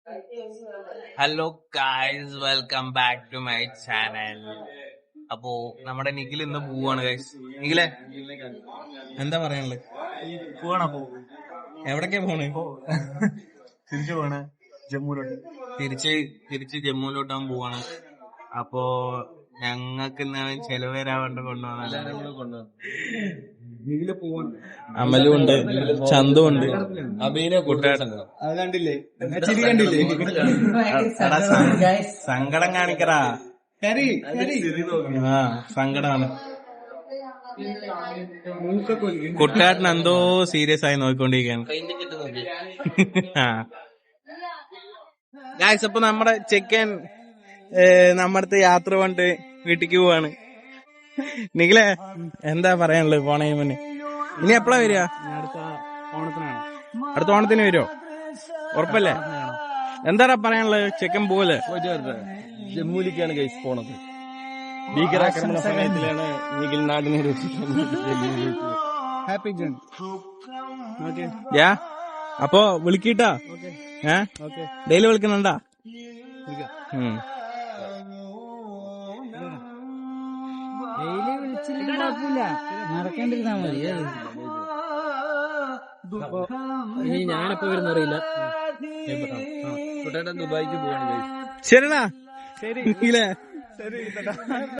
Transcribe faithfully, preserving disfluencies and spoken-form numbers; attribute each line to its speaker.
Speaker 1: Hello guys, welcome back to my channel. അപ്പോ നമ്മുടെ നിഖിൽ ഇന്ന് പോവാണ് ഗൈസ്. നിഖിലെ എന്താ പറയാനുള്ളത്?
Speaker 2: പോവാണപ്പോ
Speaker 1: എവിടൊക്കെ പോണ്?
Speaker 2: തിരിച്ചു പോണേ ജമ്മുവിലോട്ട്.
Speaker 1: തിരിച്ച് തിരിച്ച് ജമ്മുവിലോട്ടാൻ പോവാണ്. അപ്പോ ഞങ്ങൾക്ക് ഇന്ന് ചെലവ് വരാണ്ട് കൊണ്ടുപോകാൻ അമലും ഉണ്ട്, ചന്തും ഉണ്ട്, അബീനെ കൂട്ടുകാരൻ.
Speaker 2: അത് കണ്ടില്ലേ? ചിരി കണ്ടില്ലേ?
Speaker 1: സങ്കടം കാണിക്കറാ. ആ സങ്കടാണ്. കുട്ടാട്ടൻ എന്തോ സീരിയസ് ആയി നോക്കിക്കൊണ്ടിരിക്കുകയാണ്. ആ ഗായ്സ്, അപ്പൊ നമ്മുടെ ചെക്കൻ നമ്മടത്തെ യാത്ര കൊണ്ട് വീട്ടിക്ക് പോവാണ്. നിഖിലേ, എന്താ പറയാനുള്ളത് പോണേ മുന്നേ? ഇനി എപ്പഴാ വരിക?
Speaker 2: അടുത്ത ഓണത്തിനാണ്.
Speaker 1: അടുത്ത ഓണത്തിന് വരുമോ? ഉറപ്പല്ലേ? എന്താടാ പറയാനുള്ളത്? ചെക്കൻ പോവല്ലേ?
Speaker 2: ജമ്മുവിലേക്കാണ് ഗൈസ് പോണത്. ഭീകരാക്രമണ സമയത്തിലാണ് നിഖിൽ നാടിനെ ഹാപ്പി ജേൺ.
Speaker 1: യാ അപ്പൊ വിളിക്കിട്ടാ. ഏ ഡെയിലി വിളിക്കണണ്ടാ?
Speaker 3: ഡെയിലി വിളിച്ചില്ലെങ്കിൽ കുഴപ്പമില്ല, നടക്കേണ്ടിരുന്നാ മതി. ഇനി ഞാനെപ്പോ വരുന്നറിയില്ല.
Speaker 2: ദുബായിക്ക് പോവാണ് ഗൈസ്.
Speaker 1: ശരിടാ.
Speaker 2: ശരി.
Speaker 1: ഇല്ലേ?
Speaker 2: ശരി.